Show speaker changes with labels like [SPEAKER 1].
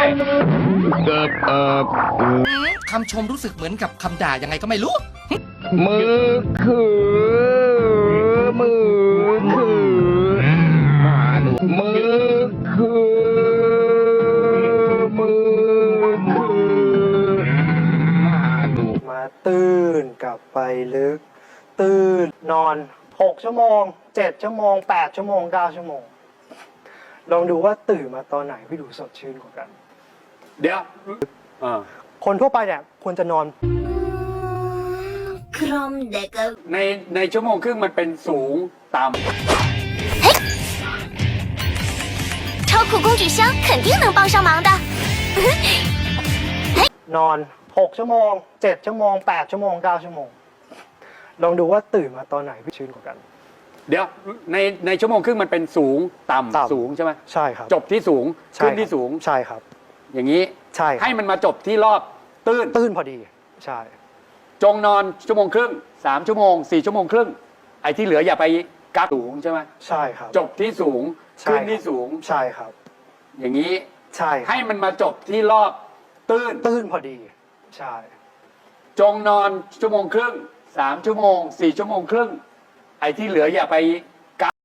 [SPEAKER 1] คำชมรู้สึกเหมือนกับคำด่ายังไงก็ไม่รู้
[SPEAKER 2] มือคือมือคือมือคือมือคือ
[SPEAKER 3] มาตื่นกลับไปลึก ตื่นนอน6 ชั่วโมง7 ชั่วโมง8 ชั่วโมง9 ชั่วโมงลองดูว่าตื่นมาตอนไหนพี่ดูสดชื่นกว่ากัน
[SPEAKER 4] เดี๋ยว
[SPEAKER 3] คนทั่วไปเนี่ยควรจะนอน
[SPEAKER 4] ในชั่วโมงครึ่งมันเป็นสูงต่ำ
[SPEAKER 5] 超酷公举箱肯定能帮上忙的。
[SPEAKER 3] นอน6 ชั่วโมง7 ชั่วโมง8 ชั่วโมง9 ชั่วโมงลองดูว่าตื่นมาตอนไหนพี่ชื่นกว่ากัน
[SPEAKER 4] เดี๋ยวในชั่วโมงครึ่งมันเป็นสูงต่ำสูงใช่ไหม
[SPEAKER 3] ใช่ครับ
[SPEAKER 4] จบที่สูง
[SPEAKER 3] ใช่
[SPEAKER 4] ขึ้นที่สูง
[SPEAKER 3] ใช่ครับ
[SPEAKER 4] อย่างนี้
[SPEAKER 3] ใช่ครับ
[SPEAKER 4] ให้มันมาจบที่รอบตื้น
[SPEAKER 3] ตื่นพอดีใช่
[SPEAKER 4] จงนอนชั่วโมงครึ่ง3 ชั่วโมง4 ชั่วโมงครึ่งไอ้ที่เหลืออย่าไปกักสูงใช่ไหม
[SPEAKER 3] ใช่ครับ
[SPEAKER 4] จบที่สูง
[SPEAKER 3] ใช่
[SPEAKER 4] ขึ้นที่สูง
[SPEAKER 3] ใช่ครับ
[SPEAKER 4] อย่างนี้
[SPEAKER 3] ใช่ครับ
[SPEAKER 4] ให้มันมาจบที่รอบตื้น
[SPEAKER 3] ตื่นพอดีใช่
[SPEAKER 4] จงนอนชั่วโมงครึ่ง3 ชั่วโมง4 ชั่วโมงครึ่งไอ้ที่เหลืออย่าไป